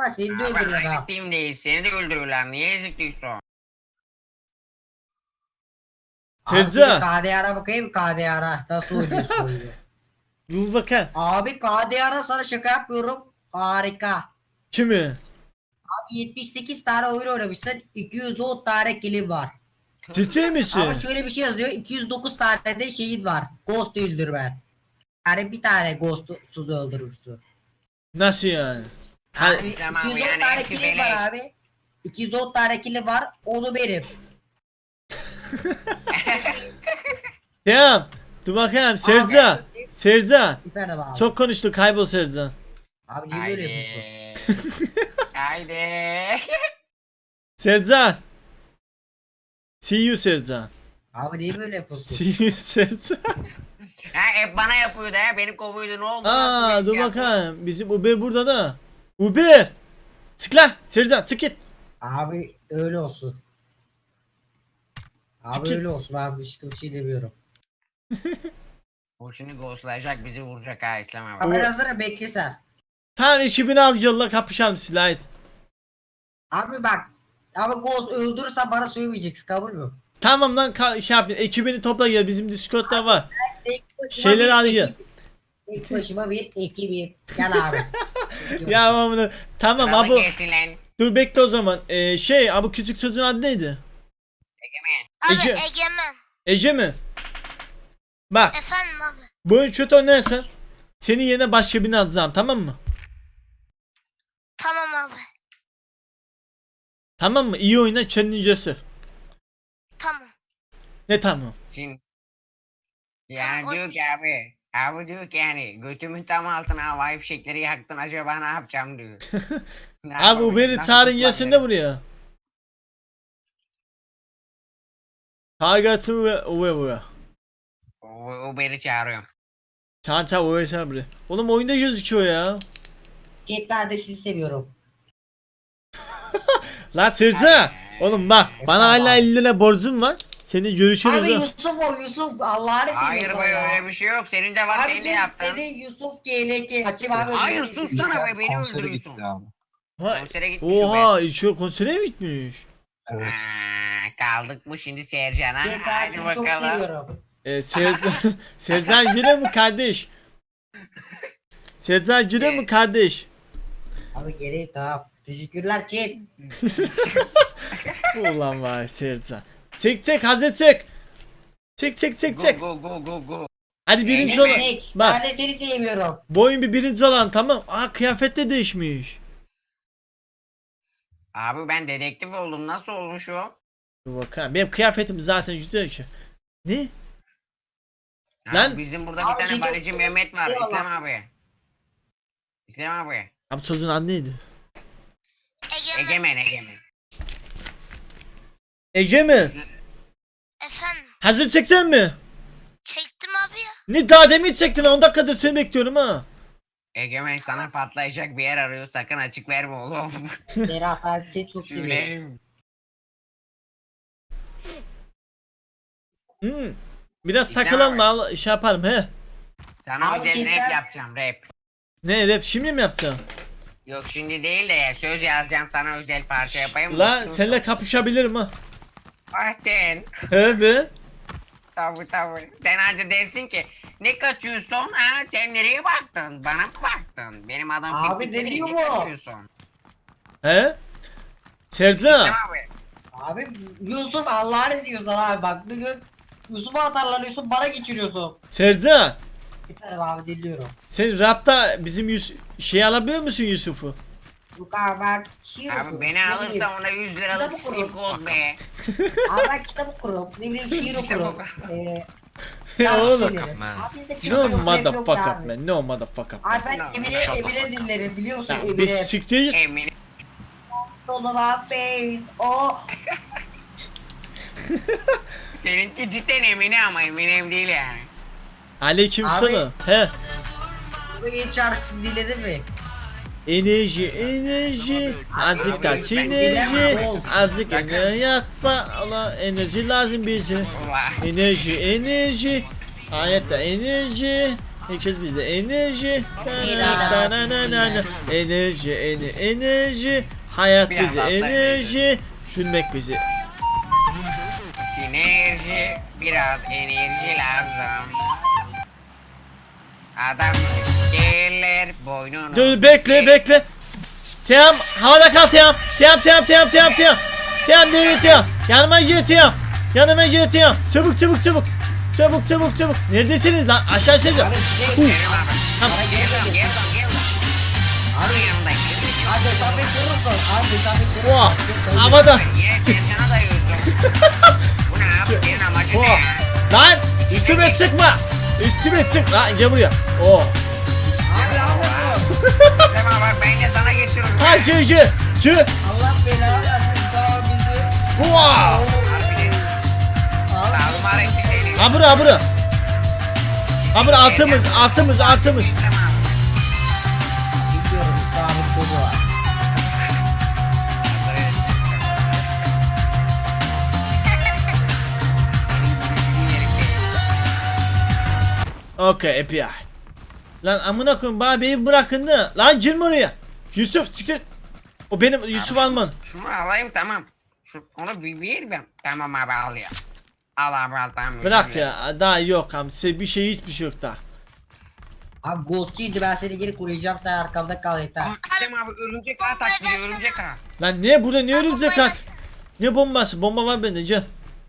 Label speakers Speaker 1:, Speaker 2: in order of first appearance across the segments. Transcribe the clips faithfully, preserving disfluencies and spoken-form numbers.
Speaker 1: ama seni de
Speaker 2: Abi
Speaker 1: öldürüyor
Speaker 2: aynı
Speaker 1: ha.
Speaker 2: teamdeyiz. Seni de öldürürler. Niye ezikliyorsun?
Speaker 1: Abi seni
Speaker 3: Sercan.
Speaker 1: K D R'a bakayım K D R'a. Nasıl oynuyorsun oyunu?
Speaker 3: Dur bakayım.
Speaker 1: Abi K D R'a sana şaka yapmıyorum. Harika.
Speaker 3: Kimi?
Speaker 1: Abi yetmiş sekiz tane oyun oynamışsın. iki yüz on tane kilim var.
Speaker 3: Ciddi misin?
Speaker 1: Ama şöyle bir şey yazıyor. iki yüz dokuz tane de şeyin var. Ghost öldürmen. Yani bir tane ghost'suz öldürürsün.
Speaker 3: Nasıl yani? Ha,
Speaker 1: Abi
Speaker 2: Tamam,
Speaker 1: iki yüz on
Speaker 2: yani
Speaker 1: tane
Speaker 2: hepsi
Speaker 1: kilim var
Speaker 2: beleş.
Speaker 1: abi. iki yüz on tane kilim var. Onu benim.
Speaker 3: tamam. Dur bakayım Sercan.
Speaker 1: Abi,
Speaker 3: Sercan.
Speaker 1: Efendim abi.
Speaker 3: Çok konuştu, kaybol Sercan.
Speaker 1: Abi niye böyle yapıyorsun?
Speaker 2: Haydi. Haydi.
Speaker 3: Sercan. See you Sercan.
Speaker 1: Abi niye böyle yapıyorsun?
Speaker 3: See you Sercan.
Speaker 2: Ha hep bana yapıyordu ha. Beni kovuyordu. Ne oldu?
Speaker 3: Aa
Speaker 2: Nasıl bir
Speaker 3: dur
Speaker 2: iş yaptın?
Speaker 3: bakayım. Bizim Uber burada da. Uber. Çık lan Sercan, çık git.
Speaker 1: Abi öyle olsun. Abi
Speaker 3: Çık git.
Speaker 1: öyle olsun abi başka bir şey demiyorum.
Speaker 2: O şimdi ghostlayacak bizi vuracak ha İslam abi.
Speaker 1: Abi ben hazırım bekle sen.
Speaker 3: Tamam ekibini al yolla, kapışalım silahit.
Speaker 1: Abi bak. Abi Ghost öldürürsen bana söylemeyeceksin kabul mü?
Speaker 3: Tamam lan ka- şey yap, ekibini topla gel, bizim Discord'da var.
Speaker 1: Tek başıma
Speaker 3: Şeyleri
Speaker 1: bir
Speaker 3: al
Speaker 1: ekip-
Speaker 3: gel.
Speaker 1: Tek başıma bir ekibim. Gel abi.
Speaker 3: Ya bunu tamam
Speaker 2: Kralı
Speaker 3: abu.
Speaker 2: gelsin lan.
Speaker 3: Dur bekle o zaman. Ee, şey abu küçük çocuğun adı neydi?
Speaker 2: Egemen.
Speaker 4: Abi
Speaker 3: Ece.
Speaker 4: Egemen.
Speaker 3: Ece mi? Bak
Speaker 4: Efendim abi.
Speaker 3: bu oyun kötü oynarsan senin yerine başka birini atacağım, tamam mı?
Speaker 4: Tamam abi.
Speaker 3: Tamam mı? İyi oyna, kendini göster.
Speaker 4: Tamam.
Speaker 3: Ne tamam?
Speaker 2: Şimdi. Yani
Speaker 4: Tamam,
Speaker 2: diyor ki abi. Abi diyor ki yani götümün tam altına havai fişekleri yaktın acaba ne yapacağım diyor. Ne
Speaker 3: Abi
Speaker 2: yapabilirim,
Speaker 3: Uber'i
Speaker 2: nasıl
Speaker 3: çağırın gelsin de
Speaker 2: kurtulabilirim?
Speaker 3: buraya. Target'ı ve Uber buraya.
Speaker 2: U- Uber'i çağırıyorum.
Speaker 3: Çağır çağır Uber çağır buraya. Oğlum oyunda gözüküyor ya.
Speaker 1: Chat ben de sizi seviyorum.
Speaker 3: Lan Sırca. Oğlum bak bana hala elli lira borcum var. Seni görüşürüz.
Speaker 1: Abi
Speaker 3: ha.
Speaker 1: Yusuf o Yusuf Allah'ını
Speaker 2: Hayır
Speaker 1: seviyorsan
Speaker 2: be
Speaker 1: ya.
Speaker 2: öyle bir şey yok. Senin de var
Speaker 1: Abi
Speaker 2: senin de
Speaker 1: dedi,
Speaker 2: yaptın.
Speaker 1: dedi Yusuf G L K. Açayım abi.
Speaker 2: Hayır
Speaker 1: özür
Speaker 2: sus
Speaker 1: dilerim.
Speaker 2: sana be beni
Speaker 5: Konsere gitti
Speaker 2: öldürüyorsun.
Speaker 5: abi.
Speaker 3: Ha,
Speaker 2: Konsere gitmiş
Speaker 3: Oha içiyor, konsere mi gitmiş?
Speaker 5: Evet.
Speaker 2: Aa, kaldık mı şimdi Sercan'a?
Speaker 1: Chat ben
Speaker 2: Hadi
Speaker 1: sizi çok
Speaker 2: bakalım.
Speaker 1: seviyorum.
Speaker 3: Ee, Sercan, Sercan yine mi kardeş? Sercan yine mi kardeş?
Speaker 1: Abi geri tamam. Teşekkürler chat.
Speaker 3: Ulan var Sercan. Çek çek hazır çek. Çek çek çek çek.
Speaker 2: Go go go go go.
Speaker 3: Hadi birinci
Speaker 2: Egemen.
Speaker 3: olan.
Speaker 1: Tek.
Speaker 3: Bak
Speaker 1: Ben de seni sevmiyorum.
Speaker 3: bu oyun bir birinci olan, tamam. Aa kıyafet de değişmiş.
Speaker 2: Abi ben dedektif oldum. Nasıl olmuş o?
Speaker 3: Dur bakalım. Benim kıyafetim zaten güzel şey. Ne?
Speaker 2: Abi
Speaker 3: Lan-
Speaker 2: bizim burada
Speaker 1: Abi
Speaker 2: bir tane
Speaker 1: ciddi-
Speaker 2: balici Mehmet var.
Speaker 1: Eyvallah.
Speaker 2: İslam abi. İslam abi.
Speaker 3: Abi çocuğun adı neydi?
Speaker 4: Egemen.
Speaker 2: Egemen Egemen.
Speaker 3: Ece mi?
Speaker 4: Efendim.
Speaker 3: Hazır çekeceksin mi?
Speaker 4: Çektim abi ya.
Speaker 3: Ne daha demin çektin, on dakikadır seni bekliyorum ha.
Speaker 2: Egemen sana patlayacak bir yer arıyor. Sakın açık verme oğlum.
Speaker 1: Serhat ben seni çok seviyorum.
Speaker 2: Şöyle.
Speaker 3: Hmm. Biraz
Speaker 2: İslam
Speaker 3: takılalım
Speaker 2: abi.
Speaker 3: al şey yaparım he.
Speaker 2: Sana
Speaker 1: Abi
Speaker 2: özel
Speaker 1: cidden-
Speaker 2: rap yapacağım rap.
Speaker 3: Ne rap şimdi mi yapacağım?
Speaker 2: Yok şimdi değil de ya, söz yazacağım sana özel parça yapayım mı?
Speaker 3: La seninle kapışabilirim ha.
Speaker 2: Ah sen.
Speaker 3: He be.
Speaker 2: Tabi tabi. Sen anca dersin ki ne kaçıyorsun ha? Sen nereye baktın? Bana mı baktın? Benim adam
Speaker 1: Abi
Speaker 2: fikri
Speaker 1: ne
Speaker 2: değil,
Speaker 1: diyor
Speaker 2: ne
Speaker 1: bu?
Speaker 2: kaçıyorsun?
Speaker 3: He? Sercan.
Speaker 2: İslam abi.
Speaker 1: Abi Yusuf Allah'ını seviyorsan abi bak bir gün Yusuf'a atarlanıyorsun bana geçiriyorsun.
Speaker 3: Sercan.
Speaker 1: Bir tane abi dinliyorum.
Speaker 3: Sen rapta bizim Yus şey alabiliyor musun Yusuf'u?
Speaker 1: Bu kadar ben şiir
Speaker 2: Abi
Speaker 1: okurum.
Speaker 2: beni
Speaker 1: ne
Speaker 2: alırsa
Speaker 1: bileyim.
Speaker 2: ona yüz liralık
Speaker 1: Kitap okurum.
Speaker 2: slip gold be.
Speaker 1: Abi ben kitap okurum. Ne bileyim şiir okurum. Eee
Speaker 3: Ya oğlum.
Speaker 1: Abi bizde
Speaker 3: No
Speaker 1: kitap yok, rap yok
Speaker 3: motherfucker
Speaker 1: abi.
Speaker 3: man. No motherfucker.
Speaker 1: Abi ben
Speaker 2: No,
Speaker 1: Emine,
Speaker 2: shut the
Speaker 1: Emine dinlerim biliyor musun
Speaker 3: Ya bir
Speaker 1: Emine?
Speaker 3: siktir git.
Speaker 2: Eminim.
Speaker 1: Solo my face. Oh.
Speaker 2: Seninki cidden Emine ama Eminem değil yani.
Speaker 3: Aleyküm
Speaker 1: Abi.
Speaker 3: selam. He.
Speaker 1: Bu yeni şarkısını dinledin mi?
Speaker 3: Enerji, enerji, azıcık da
Speaker 2: Abi, ben
Speaker 3: sinerji,
Speaker 1: bilemem.
Speaker 3: azıcık
Speaker 2: Sakın.
Speaker 3: hayat falan, enerji lazım bize.
Speaker 2: Vay.
Speaker 3: Enerji, enerji, hayatta enerji, Herkes bizde. Enerji.
Speaker 1: Biraz.
Speaker 3: Na, na, na, na, na. Enerji, ene, enerji. Hayat
Speaker 2: Biraz
Speaker 3: bize
Speaker 2: atlayın.
Speaker 3: enerji. Düşünmek bize.
Speaker 2: Sinerji, biraz enerji lazım. Adam gelir boynunu.
Speaker 3: Dur bekle bekle. Tiyam havada kal Tiyam. Tiyam Tiyam Tiyam Tiyam Tiyam. Tiyam nereye Tiyam? Yanıma gel Tiyam. Yanıma gel Tiyam. Çabuk çabuk çabuk. Çabuk çabuk çabuk. Neredesiniz lan? Aşağı senize.
Speaker 1: Abi şey.
Speaker 3: Huh.
Speaker 2: Geliyorum abi.
Speaker 3: Tamam.
Speaker 2: Geliyorum, geliyorum, geliyorum. Abi yanındayım. geliyorum.
Speaker 1: Abi mesafeyi korursun. Abi mesafeyi korursun.
Speaker 3: Oha.
Speaker 1: Çok-
Speaker 3: Havada.
Speaker 2: Yine Sercan'a dayıyorsun. Bu ne abi? Senin amacın ne
Speaker 3: Oha.
Speaker 2: ya?
Speaker 3: Lan üstüme çıkma. Üstüme çık. Lan gel buraya. Oh.
Speaker 1: Abi abi.
Speaker 2: Tamam bak ben de sana geçiyorum.
Speaker 3: Ha gel gel. Gel.
Speaker 1: Allah belanı versin daha bizi.
Speaker 3: Wow.
Speaker 2: Harbiden.
Speaker 1: Abi.
Speaker 2: Sağlıma renkli seni.
Speaker 3: Ha bura ha bura. Ha bura altımız altımız altımız.
Speaker 2: İslam abi.
Speaker 1: Biliyorum sabit kolu var.
Speaker 3: Okey A P I. Lan amına koyayım bana beni bırakın da. Lan girme oraya. Yusuf siktir. O benim Yusuf Alman.
Speaker 2: Şunu alayım tamam. Şu, onu bir ver ben. Tamam abi al ya. Al abi al tamam.
Speaker 3: Bırak ya daha yok abi. Size bir şey hiçbir şey yok daha.
Speaker 1: Abi ghostçuydu ben seni geri koruyacağım sen arkamda kal yeter.
Speaker 2: Aa, İslam abi örümcek ağ taklidi örümcek ağ.
Speaker 3: Lan ne burada ne örümcek
Speaker 4: bombayı
Speaker 3: at? Ne bombası? Bomba var bende gel.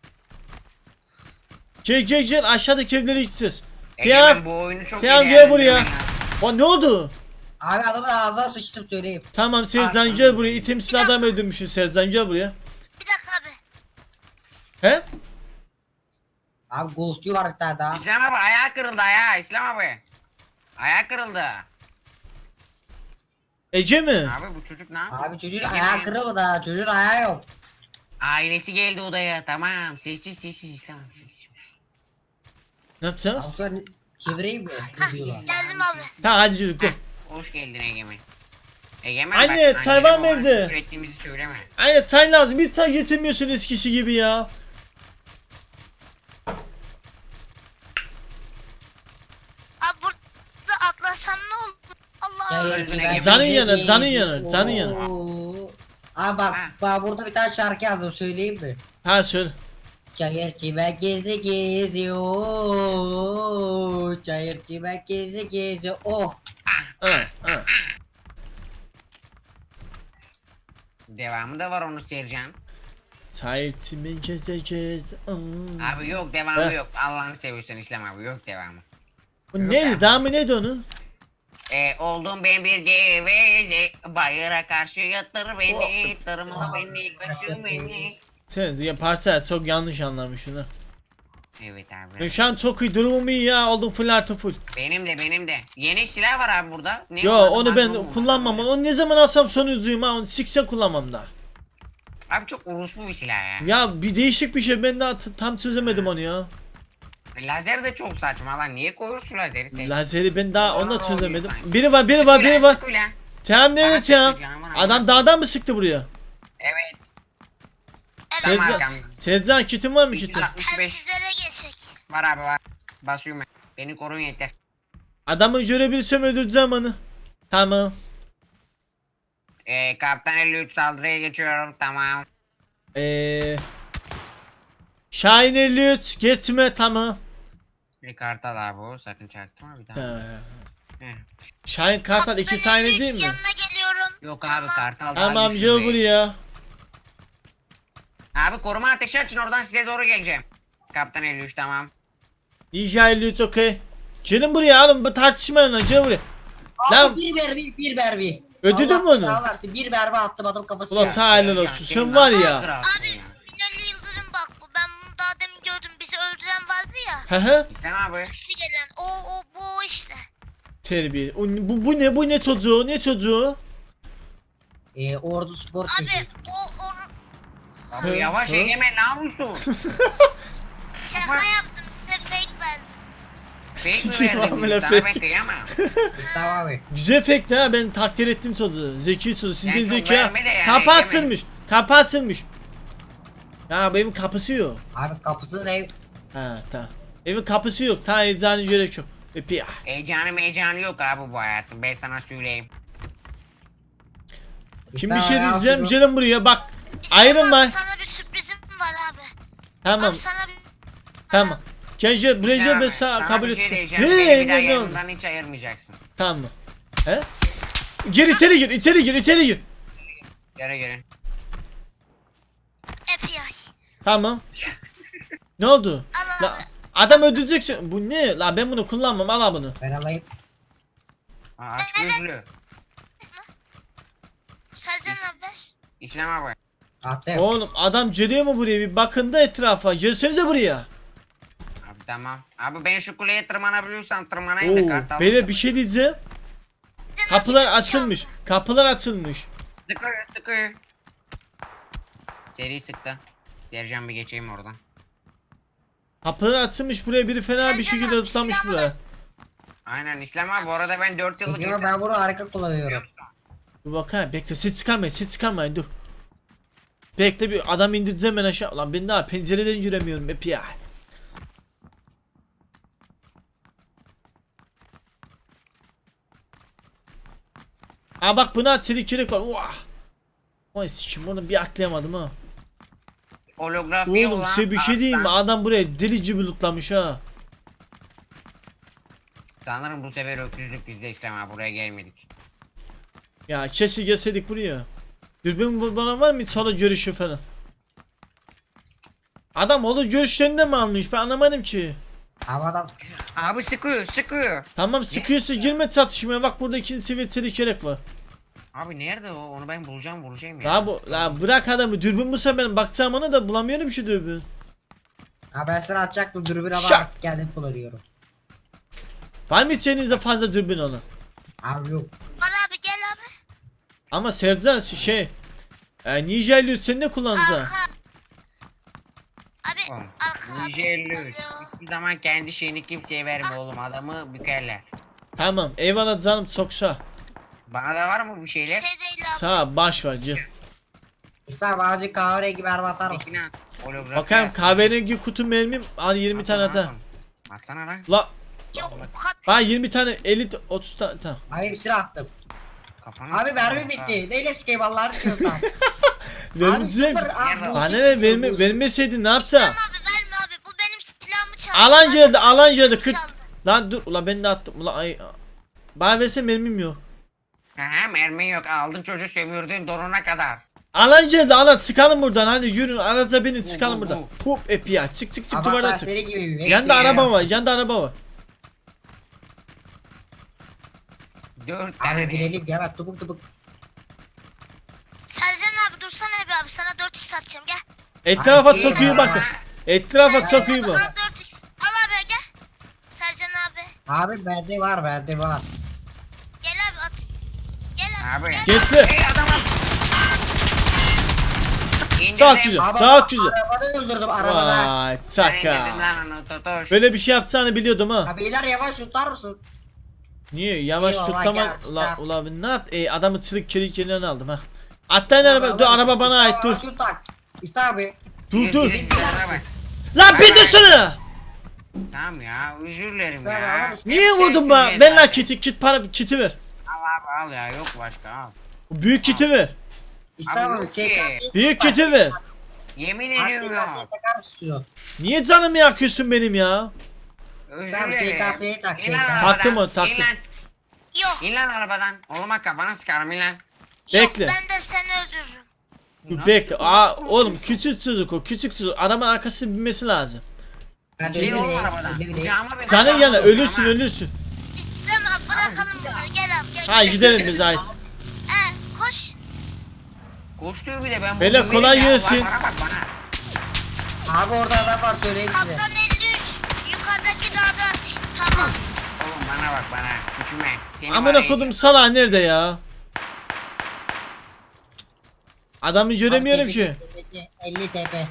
Speaker 3: Gel gel gel aşağıdaki evlere gideceğiz. Tiyam.
Speaker 2: Egemen bu oyunu çok
Speaker 3: Tiyam
Speaker 2: iyi
Speaker 3: gel buraya.
Speaker 2: değerlendirmen lazım.
Speaker 3: O ne oldu?
Speaker 1: Abi adamın ağzına sıçtım söyleyeyim.
Speaker 3: Tamam Serzan
Speaker 2: Arkamda.
Speaker 3: gel buraya. İtemsiz adam öldürmüşsün Serzan gel buraya.
Speaker 4: Bir dakika abi.
Speaker 3: He?
Speaker 1: Abi ghostçu var bir tane daha.
Speaker 2: İslam abi ayağı kırıldı ayağı İslam abi. Ayağı kırıldı.
Speaker 3: Ece mi?
Speaker 2: Abi bu çocuk ne yapıyor?
Speaker 1: Abi çocuğun
Speaker 2: Egemen.
Speaker 1: ayağı kırılmadı ha. Çocuğun ayağı yok.
Speaker 2: Ailesi geldi odaya tamam. Sessiz sessiz İslam abi sessiz.
Speaker 3: Ne yapacağız?
Speaker 1: Abi sonra çevireyim mi?
Speaker 4: Hah,
Speaker 1: Ne diyorlar?
Speaker 4: geldim abi.
Speaker 3: Tamam hadi çocuk gel.
Speaker 2: Hoş geldin Egemen. Egemen
Speaker 3: Anne,
Speaker 2: bak,
Speaker 3: çay var mı
Speaker 2: annene babana
Speaker 3: evde?
Speaker 2: küfür ettiğimizi söyleme.
Speaker 3: Aynen çay lazım. Hiç çay getirmiyorsun eskisi gibi ya.
Speaker 4: Abi burada atlasam ne olur? Allah.
Speaker 1: Çayır
Speaker 2: Öldüğüne
Speaker 1: çimen
Speaker 2: gibi.
Speaker 3: Canın
Speaker 1: bizi
Speaker 3: yanar,
Speaker 1: gezi-
Speaker 3: canın yanar, canın yanar.
Speaker 1: Oo. Abi bak,
Speaker 2: Ha.
Speaker 1: bak burada bir tane şarkı yazdım söyleyeyim mi?
Speaker 3: Ha söyle.
Speaker 1: Çayır çimen gezi geziyor. Çayır çimen gezi geziyor. Oh.
Speaker 3: Ha, ha.
Speaker 2: Devamı da var onu Sercan.
Speaker 3: Çay içimi gezeceğiz. Aa.
Speaker 2: Abi yok devamı
Speaker 3: Ha.
Speaker 2: yok. Allah'ını seviyorsan İslam abi yok devamı.
Speaker 3: Bu neydi? Daha mı neydi onun?
Speaker 2: E, oldum ben bir geveze. Bayıra karşı yatır beni. Tırmala beni. Kaçır beni.
Speaker 3: Sen ya parça çok yanlış anlamışsın ha.
Speaker 2: Evet
Speaker 3: Ben
Speaker 2: abi.
Speaker 3: şu an çok iyi durumum iyi ya. Oldum full artı full.
Speaker 2: Benim de benim de. Yeni silah var abi burada. Ne
Speaker 3: Yo
Speaker 2: o?
Speaker 3: onu ben
Speaker 2: Magnum mu?
Speaker 3: kullanmam. Onu ne zaman alsam sonuncuyum ha. Onu sikse kullanmam da.
Speaker 2: Abi çok uruslu bir silah ya.
Speaker 3: Ya bir değişik bir şey. Ben daha t- tam çözemedim onu ya.
Speaker 2: Lazer de çok saçma lan. Niye koyuyorsun lazeri sen?
Speaker 3: Lazeri ben daha onu da
Speaker 2: Bana
Speaker 3: çözemedim.
Speaker 2: oluyor sanki.
Speaker 3: Biri var biri var biri var.
Speaker 2: Sık ulan.
Speaker 3: Tamam nerede
Speaker 2: Bana
Speaker 3: tamam?
Speaker 2: sıktı canım, bana
Speaker 3: Adam
Speaker 2: bak.
Speaker 3: dağdan mı sıktı buraya?
Speaker 2: Evet.
Speaker 4: Evet.
Speaker 2: Tam
Speaker 3: Sezcan,
Speaker 2: arkamda.
Speaker 3: Sezcan kitin var mı kitin?
Speaker 2: altmış beş.
Speaker 4: Telsizlere geçecek.
Speaker 2: Var abi var. Basıyorum ben. Beni korun yeter.
Speaker 3: Adamı görebilirsem öldüreceğim onu. Tamam.
Speaker 2: Ee, Kaptan elli üç saldırıya geçiyorum. Tamam.
Speaker 3: Eee Şahin elli üç geçme tamam.
Speaker 2: Bir kartal abi o. Sakın çaktırma bir daha.
Speaker 3: Ha.
Speaker 2: Heh.
Speaker 3: Şahin Kartal iki
Speaker 4: Kaptan
Speaker 3: Şahin
Speaker 4: elli üç
Speaker 3: değil mi?
Speaker 4: Yanına geliyorum.
Speaker 2: Yok abi kartal daha
Speaker 3: Tamam
Speaker 2: güçlü
Speaker 3: gel
Speaker 2: be.
Speaker 3: buraya.
Speaker 2: Abi koruma ateşi açın oradan size doğru geleceğim. Kaptan elli üç tamam.
Speaker 3: İyice elli üç okey. Gelin buraya oğlum bu tartışmayın lan gel buraya. Lan-
Speaker 1: Abi bir berbi bir berbi.
Speaker 3: Ödedin mi
Speaker 1: Allah
Speaker 3: onu?
Speaker 1: belanı versin, bir berbi attım adam kafasına.
Speaker 3: Ulan sağ helal olsun.
Speaker 2: Sercan,
Speaker 3: Sen
Speaker 2: senin
Speaker 3: var
Speaker 2: nasıl
Speaker 3: ya.
Speaker 2: kralsın
Speaker 4: Abi
Speaker 2: ya?
Speaker 4: Binali Yıldırım bak bu. Ben bunu daha demin gördüm. Bizi öldüren vardı ya.
Speaker 3: He he.
Speaker 2: İslam abi.
Speaker 4: Kişi gelen. O o bu o işte.
Speaker 3: Terbiye. O, bu, bu ne bu ne çocuğu ne çocuğu?
Speaker 1: Ee, ordu spor
Speaker 4: Abi
Speaker 1: çocuğu.
Speaker 4: o o
Speaker 2: Abi
Speaker 3: Hı,
Speaker 2: yavaş
Speaker 3: hı.
Speaker 2: Egemen ne yapıyorsun?
Speaker 4: şaka yaptım size fake verdim.
Speaker 2: Fake mi
Speaker 3: Kim
Speaker 2: verdin
Speaker 3: amına
Speaker 2: bizi? Sana ben
Speaker 3: fake?
Speaker 2: kıyamam.
Speaker 1: Tamam abi.
Speaker 3: Güzel fake ha ben takdir ettim çocuğu. Zeki çocuğu. Sizin
Speaker 2: Yani çok
Speaker 3: zeki ha.
Speaker 2: verme de yani,
Speaker 3: Kapı
Speaker 2: Egemen.
Speaker 3: açılmış. Kapı açılmış. Ya benim kapısı yok.
Speaker 1: Abi kapısını ev.
Speaker 3: Ha tamam. Evin kapısı yok. Ta eczane gerek yok. Öpüyor.
Speaker 2: Heyecanı heyecanı yok abi bu hayatın. Ben sana söyleyeyim.
Speaker 3: Şimdi bir
Speaker 1: İşte
Speaker 3: şey
Speaker 1: ya,
Speaker 3: diyeceğim.
Speaker 1: şunu-
Speaker 3: Gelin buraya bak.
Speaker 4: İslam
Speaker 3: Ayrılma.
Speaker 4: abi, sana bir sürprizim var abi.
Speaker 3: Tamam.
Speaker 4: Abi sana bir...
Speaker 3: Tamam. Gece buraya
Speaker 2: Abi,
Speaker 3: ben sana kabul
Speaker 2: bir şey
Speaker 3: etsin.
Speaker 2: diyeceğim.
Speaker 3: He,
Speaker 2: Beni bir daha
Speaker 3: ne oldu?
Speaker 2: yanından hiç ayırmayacaksın.
Speaker 3: Tamam. He? Gir içeri gir, içeri gir, içeri gir.
Speaker 2: Göre göre.
Speaker 4: F B I.
Speaker 3: Tamam. Ne oldu?
Speaker 4: Al
Speaker 3: La,
Speaker 4: abi.
Speaker 3: adam öldüreceksin. Bu ne? La ben bunu kullanmam. Al bunu.
Speaker 1: Ben alayım.
Speaker 2: Aa, aç gözlü.
Speaker 4: Sercan abi ver.
Speaker 2: İslam abi.
Speaker 1: Attım.
Speaker 3: Oğlum adam geliyor mu buraya? Bir bakın da etrafa. Gelsenize buraya.
Speaker 2: Abi tamam. Abi ben şu kuleye tırmanabiliyorsam tırmanayım da
Speaker 3: Oo,
Speaker 2: kartal.
Speaker 3: böyle bir şey diyeceğim.
Speaker 4: Sercan
Speaker 3: Kapılar
Speaker 4: abi, bir şey
Speaker 3: açılmış.
Speaker 4: oldu.
Speaker 3: Kapılar açılmış.
Speaker 2: Sıkıyor sıkıyor. Seri sıktı. Sercan bir geçeyim oradan.
Speaker 3: Kapılar açılmış. Buraya biri fena bir
Speaker 4: Sercan
Speaker 3: şekilde
Speaker 4: abi,
Speaker 3: tutlamış
Speaker 4: silahı
Speaker 3: buraya.
Speaker 4: ver.
Speaker 2: Aynen İslam abi bu arada ben dört yıllık
Speaker 1: Biliyorum,
Speaker 2: insan.
Speaker 1: ben bunu harika kullanıyorum.
Speaker 3: Dur bakayım. Bekle. Ses çıkarmayın. Ses çıkarmayın. Dur. Bekle bir adam indireceğim ben aşağı. Ulan ben daha pencereden giremiyorum. Hep ya. Aa bak buna çelik çelik var. Vah. Vay sikim onu bir atlayamadım ha.
Speaker 2: Holografi
Speaker 3: Oğlum
Speaker 2: olan
Speaker 3: size bir şey diyeyim mi?
Speaker 2: alttan-
Speaker 3: Adam buraya deli gibi lootlamış ha.
Speaker 2: Sanırım bu sefer öküzlük bizde İslam abi buraya gelmedik.
Speaker 3: Ya keşke gelseydik buraya. Dürbün bana var mı solo görüşü falan? Adam onu görüşlerinde mi almış? Ben anlamadım ki.
Speaker 1: Ama adam
Speaker 2: Abi sıkıyor sıkıyor.
Speaker 3: Tamam sıkıyorsa girme çatışmaya. Bak burada ikinci seviye çelik çelik var.
Speaker 2: Abi nerede o? Onu ben bulacağım bulacağım ya.
Speaker 3: La bu la bırak adamı. Dürbün bulsa benim bakacağım ona da bulamıyorum şu dürbün.
Speaker 1: ha ben sana atacaktım dürbün ama
Speaker 3: Şak.
Speaker 1: artık kendim kullanıyorum.
Speaker 3: Var mı içerinizde fazla dürbün ona?
Speaker 1: Abi yok.
Speaker 4: Var abi gel abi.
Speaker 3: Ama Sercan şey e, Ninja elli üç sen ne kullanacaksın?
Speaker 4: Arka. Abi
Speaker 2: Oğlum,
Speaker 4: arka abi.
Speaker 2: Ninja elli üç.
Speaker 4: Alo.
Speaker 2: Hiçbir zaman kendi şeyini kimseye verme oğlum. Adamı bükerler.
Speaker 3: Tamam eyvallah canım çoksa.
Speaker 2: Bana da var mı bu
Speaker 4: Bir
Speaker 2: şeyler?
Speaker 4: şey değil abi.
Speaker 3: Sağ baş var cı.
Speaker 1: İslam azıcık kahverengi mermi atar mısın?
Speaker 2: Peki lan. Holografi
Speaker 3: Bakayım
Speaker 2: at.
Speaker 3: kahverengi kutu mermim. Hadi yirmi tane
Speaker 2: Atsana
Speaker 3: ata.
Speaker 2: lan. Atsana lan.
Speaker 3: La
Speaker 4: Yok kat.
Speaker 3: bana yirmi tane elli otuz tane tamam.
Speaker 1: Hayır bir sıra attım.
Speaker 2: Kafana
Speaker 1: Abi
Speaker 2: sık-
Speaker 1: mermi bitti. Neyle sikeyim Allah'ını seviyorsan. Abi
Speaker 3: Vermeyeceğim.
Speaker 1: sıfır. Abi,
Speaker 2: Nerede?
Speaker 1: bu
Speaker 3: Bana
Speaker 1: sıfır,
Speaker 3: ne
Speaker 1: bu
Speaker 3: verme,
Speaker 1: sıfır.
Speaker 3: vermeseydin ne
Speaker 4: İslam
Speaker 3: yapsa?
Speaker 4: abi verme abi. Bu benim silahımı çaldı.
Speaker 3: Alan
Speaker 4: Abi,
Speaker 3: geldi alan geldi kırk.
Speaker 4: çaldı.
Speaker 3: Lan dur ulan ben de attım ulan ay. Bana verse mermim yok.
Speaker 2: Aha mermi yok. Aldın çocuğu sömürdün donuna kadar.
Speaker 3: Alan geldi alan çıkalım buradan hadi yürün araca binin
Speaker 2: Bu,
Speaker 3: çıkalım
Speaker 2: bu,
Speaker 3: buradan.
Speaker 2: bu.
Speaker 3: Hop epi ya çık çık çık
Speaker 1: Ama
Speaker 3: duvardan
Speaker 1: ben
Speaker 3: çık.
Speaker 1: seni gibi bir
Speaker 3: Yanda
Speaker 1: bekliyorum.
Speaker 3: araba var yanda araba var.
Speaker 2: Dört
Speaker 1: Abi
Speaker 2: tane.
Speaker 1: binelim ya bak tubuk tubuk.
Speaker 4: Sercan abi dursana be abi. Sana dört x atacağım gel.
Speaker 3: Etrafa
Speaker 1: Ay,
Speaker 3: çok
Speaker 1: iyi
Speaker 3: iyi
Speaker 1: ya.
Speaker 3: bakın. Etrafa
Speaker 4: Sercan
Speaker 3: çok iyi
Speaker 4: abi,
Speaker 3: bak.
Speaker 4: Al dört x. Al abi gel. Sercan abi.
Speaker 1: Abi bende var bende var.
Speaker 4: Gel abi at. Gel abi.
Speaker 2: Abi.
Speaker 4: Gel.
Speaker 3: Getir.
Speaker 2: Hey adamım. İndirdim.
Speaker 3: Çok güzel.
Speaker 1: Abi
Speaker 3: Çok güzel.
Speaker 1: arabada öldürdüm arabada.
Speaker 3: Vay
Speaker 2: Sen indirdin
Speaker 3: çaka.
Speaker 2: lan onu Totoş.
Speaker 3: Böyle bir şey yapacağını biliyordum ha.
Speaker 1: Abi iler yavaş tutar mısın?
Speaker 3: Niye yavaş
Speaker 1: Eyvallah,
Speaker 3: tutlama
Speaker 1: gel,
Speaker 3: la
Speaker 1: gel.
Speaker 3: ula ben ne yap e, adamı çelik çelik yerinden aldım ha. Atlayın araba dur araba bana ait dur.
Speaker 1: Şu tak. İşte abi.
Speaker 3: Dur dur.
Speaker 2: Yürü, yürü, yürü, bak.
Speaker 3: Lan bir dursana.
Speaker 2: Tamam ya özür dilerim
Speaker 1: Sen
Speaker 2: ya.
Speaker 1: alır mısın?
Speaker 3: Niye
Speaker 2: Hep
Speaker 3: vurdun
Speaker 2: sevdim
Speaker 3: bana?
Speaker 2: ben
Speaker 3: Ver lan
Speaker 2: zaten.
Speaker 3: kiti kit para kiti ver.
Speaker 2: Al abi al ya yok başka al.
Speaker 3: O büyük kiti ver.
Speaker 1: İşte
Speaker 2: Abi
Speaker 1: abi.
Speaker 2: yok
Speaker 1: S
Speaker 2: ki.
Speaker 1: K
Speaker 3: Büyük kiti ver.
Speaker 2: Yemin
Speaker 1: Abi
Speaker 2: ediyorum
Speaker 1: S K S'ye
Speaker 2: yok.
Speaker 1: takar mısın şunu?
Speaker 3: Niye canımı yakıyorsun benim ya?
Speaker 2: Özür
Speaker 1: Tamam,
Speaker 2: dilerim.
Speaker 1: S K S'ye tak,
Speaker 2: İn lan
Speaker 1: S K.
Speaker 2: arabadan,
Speaker 3: Taktım o,
Speaker 2: in
Speaker 3: taktım.
Speaker 2: lan,
Speaker 4: Yok.
Speaker 2: İn lan arabadan. Oğlum bak kafana sıkarım in lan.
Speaker 4: Yok
Speaker 3: Bekle.
Speaker 4: ben de seni öldürürüm.
Speaker 3: Dur
Speaker 2: Nasıl?
Speaker 3: bekle. Aa oğlum küçük çocuk o küçük çocuk. Arabanın arkasına binmesi lazım.
Speaker 1: Ben de
Speaker 2: İn
Speaker 1: öyle
Speaker 2: oğlum
Speaker 1: bileyim,
Speaker 2: arabadan.
Speaker 1: öyle bileyim.
Speaker 2: Kucağıma beni.
Speaker 3: Canın yana
Speaker 2: kucağıma,
Speaker 3: ölürsün
Speaker 2: kucağıma.
Speaker 3: ölürsün.
Speaker 4: İslam abi bırakalım bunları. Gel abi gel.
Speaker 3: Ha gidelim biz ait.
Speaker 4: He koş.
Speaker 2: Koştuğu bir de ben
Speaker 3: Beyler,
Speaker 2: bunu
Speaker 3: kolay
Speaker 2: yerim ya.
Speaker 3: gelsin.
Speaker 2: Bak, Bana bak bana.
Speaker 1: Abi orada adam var söyleyeyim size.
Speaker 4: Kaptan elli üç. Yukarıdaki dağda. Şşt, tamam.
Speaker 2: Oğlum bana bak bana. Küçüme. Seni var
Speaker 3: Amına
Speaker 2: ya-
Speaker 3: kodum sala nerede ya? Adamı göremiyorum
Speaker 1: Abi,
Speaker 3: ki.
Speaker 1: tepedeki elli tepe.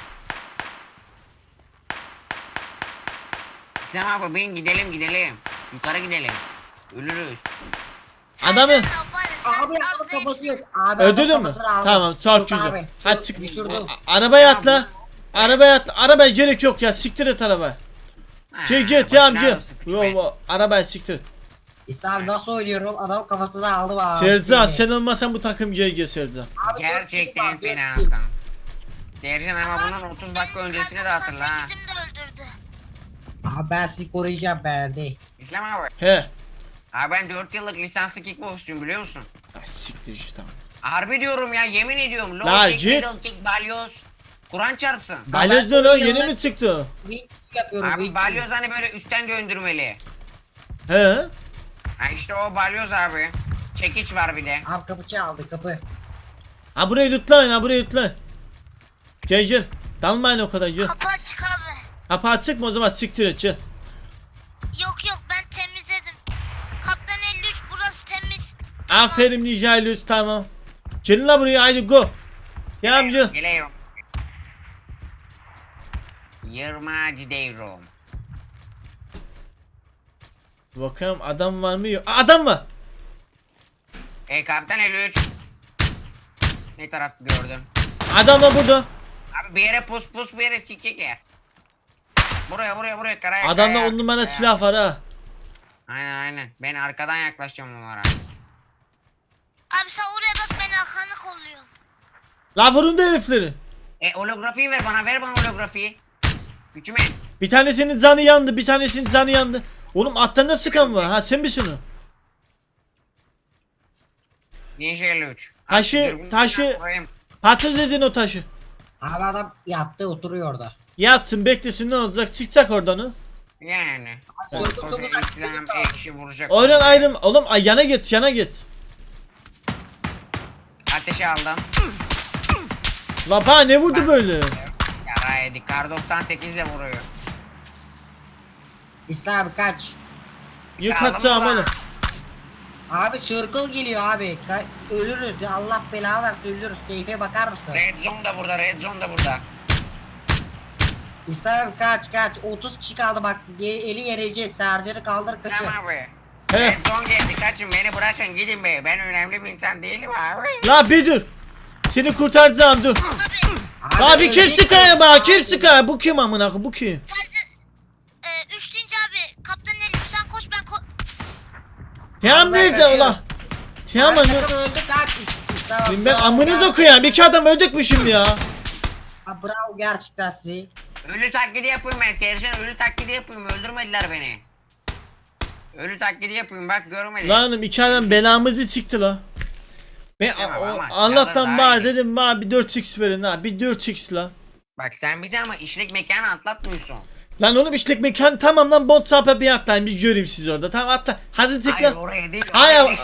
Speaker 2: İslam abi bin gidelim gidelim. Yukarı gidelim. Ölürüz.
Speaker 3: Adamı-
Speaker 4: Sercan abi var ya, sen
Speaker 1: Abi
Speaker 4: az
Speaker 1: adamın
Speaker 4: değilsin.
Speaker 1: kafası yok. Abi
Speaker 3: Ödülü
Speaker 1: adamın
Speaker 3: mü?
Speaker 1: kafasını aldım.
Speaker 3: Tamam çok
Speaker 1: Yok
Speaker 3: güzel.
Speaker 1: abi.
Speaker 3: Hadi çık.
Speaker 1: Düşürdüm.
Speaker 3: A- Arabaya atla. Arabaya atla. Arabaya gerek yok ya. Siktir et araba.
Speaker 2: Ha,
Speaker 3: Gel gel
Speaker 2: başına
Speaker 3: tamam gel.
Speaker 2: ağrısı, küçük
Speaker 3: Yo
Speaker 2: be.
Speaker 3: yo arabayı siktir.
Speaker 1: İslam nasıl oynuyorum? Adam kafasına aldı bana.
Speaker 3: Sercan sen olmasan bu takım G G Sercan.
Speaker 1: Abi,
Speaker 2: Gerçekten
Speaker 1: dört kill var,
Speaker 2: fena
Speaker 1: dört kill.
Speaker 2: Hasan. Sercan ama bunun otuz dakika
Speaker 4: Benim
Speaker 2: öncesini de
Speaker 4: kar
Speaker 2: hatırla ha.
Speaker 4: doksan sekizim de öldürdü.
Speaker 1: Abi ben sizi koruyacağım ben de.
Speaker 2: İslam abi.
Speaker 3: He.
Speaker 2: Abi ben dört yıllık lisanslı kickboksçuyum biliyor musun?
Speaker 3: Ay siktir işte tamam.
Speaker 2: Harbi diyorum ya yemin ediyorum. Low
Speaker 3: La
Speaker 2: kick,
Speaker 3: git.
Speaker 2: middle kick, balyoz. Kur'an çarpsın.
Speaker 3: Balyoz ne lan yeni mi çıktı?
Speaker 1: Wing yapıyorum.
Speaker 2: Abi
Speaker 1: wing.
Speaker 2: balyoz hani böyle üstten döndürmeli.
Speaker 3: He.
Speaker 2: Ha işte o balyoz abi. Çekiç var bir de.
Speaker 1: Abi kapı çaldı kapı.
Speaker 3: Ha burayı lütfen ha burayı lütfen. Gel gel. Dalmayın o kadar gel.
Speaker 4: Kapı açık abi.
Speaker 3: Kapağı sıkma o zaman siktir et gel.
Speaker 4: Yok yok ben temizledim. Kaptan elli üç burası temiz.
Speaker 3: Aferin Nijaylus tamam. Gelin la buraya haydi go. Tamam gel.
Speaker 2: Geliyorum. Yırmacı devrim.
Speaker 3: Bakalım adam var mı yok. Aa, adam var.
Speaker 2: E kaptan elli üç. Ne taraf gördüm?
Speaker 3: Adam var burada.
Speaker 2: Abi bir yere pus pus bir yere sikecek yer. Buraya buraya buraya karaya
Speaker 3: Adamda
Speaker 2: karaya,
Speaker 3: on numara
Speaker 2: karaya.
Speaker 3: silah var ha.
Speaker 2: Aynen aynen. Ben arkadan yaklaşacağım onlara.
Speaker 4: Abi sen oraya bak ben arkanı kolluyorum.
Speaker 3: La vurun da herifleri.
Speaker 2: E holografiyi ver bana ver bana holografiyi. Gücüme.
Speaker 3: Bir tanesinin canı yandı, bir tanesinin canı yandı. Oğlum alttan da sıkan var. Ha sen misin o?
Speaker 2: Ninja elli üç.
Speaker 3: Taşı-
Speaker 2: Abi, dürbünü
Speaker 3: taşı-
Speaker 2: vurayım.
Speaker 3: Patates edin o taşı.
Speaker 1: Abi adam yattı oturuyor orada.
Speaker 3: Yatsın beklesin ne olacak çıkacak oradan o.
Speaker 2: Yani.
Speaker 1: Soygun
Speaker 2: Koca
Speaker 1: soygun
Speaker 2: İslam ekşi vuracak.
Speaker 3: Oynan ayrım. Oğlum ay yana git yana git.
Speaker 2: Ateşe aldım.
Speaker 3: La bana ne vurdu böyle?
Speaker 2: Yara yedik. Kar doksan sekiz ile vuruyor.
Speaker 1: İslam abi kaç.
Speaker 3: Yıkatacağım
Speaker 2: Kaldım
Speaker 3: oğlum.
Speaker 1: Abi circle geliyor abi. Ka- ölürüz ya Allah belanı versin ölürüz. Seyfe bakar mısın?
Speaker 2: Red zone da burada. Red zone da burada.
Speaker 1: İslam abi kaç kaç. otuz kişi kaldı bak. Ye- eli yereceğiz. Sercan'ı kaldır kaçın.
Speaker 2: Tamam abi.
Speaker 3: He.
Speaker 2: Red zone geldi. Kaçın beni bırakın gidin be. Ben önemli bir insan değilim abi.
Speaker 3: La bir dur. Seni kurtaracağım dur.
Speaker 4: Abi
Speaker 1: Abi
Speaker 3: Abi kim
Speaker 1: öleceksin.
Speaker 3: sıkıyor bak kim sıkıyor? Bu kim amına koyayım, bu kim?
Speaker 4: sadece e, üç deyince abi kaptan elli üç sen koş ben ko
Speaker 3: Tiyam
Speaker 1: Ben
Speaker 3: nerede
Speaker 1: kaçıyorum.
Speaker 3: ulan? Tiyam
Speaker 1: Abi
Speaker 3: anı.
Speaker 1: takım öldü kaç. İs- İslam abi,
Speaker 3: Ben, ben
Speaker 1: bravo,
Speaker 3: amınız
Speaker 1: bravo.
Speaker 3: okuyan bir iki adam öldük mü şimdi ya?
Speaker 1: Abi bravo gerçekten sizi.
Speaker 2: Ölü taklidi yapayım ben. Sercan ölü taklidi yapayım. Öldürmediler beni. Ölü taklidi yapayım bak görmedi.
Speaker 3: Lan oğlum iki adam belamızı çıktı la. Ben
Speaker 2: Tamam
Speaker 3: o-
Speaker 2: ama
Speaker 3: Allah'tan
Speaker 2: silahlar
Speaker 3: bana
Speaker 2: daha iyi.
Speaker 3: dedim bana bir dört x verin ha bir dört x la.
Speaker 2: Bak sen bizi ama işlek mekanı atlatmıyorsun.
Speaker 3: Lan oğlum işlek mekan tamam lan bot sapı bir atlayın biz göreyim siz orada tamam atla. Hadi
Speaker 2: Hayır
Speaker 3: tıkla.
Speaker 2: oraya değil.
Speaker 3: Hayır,
Speaker 2: oraya değil.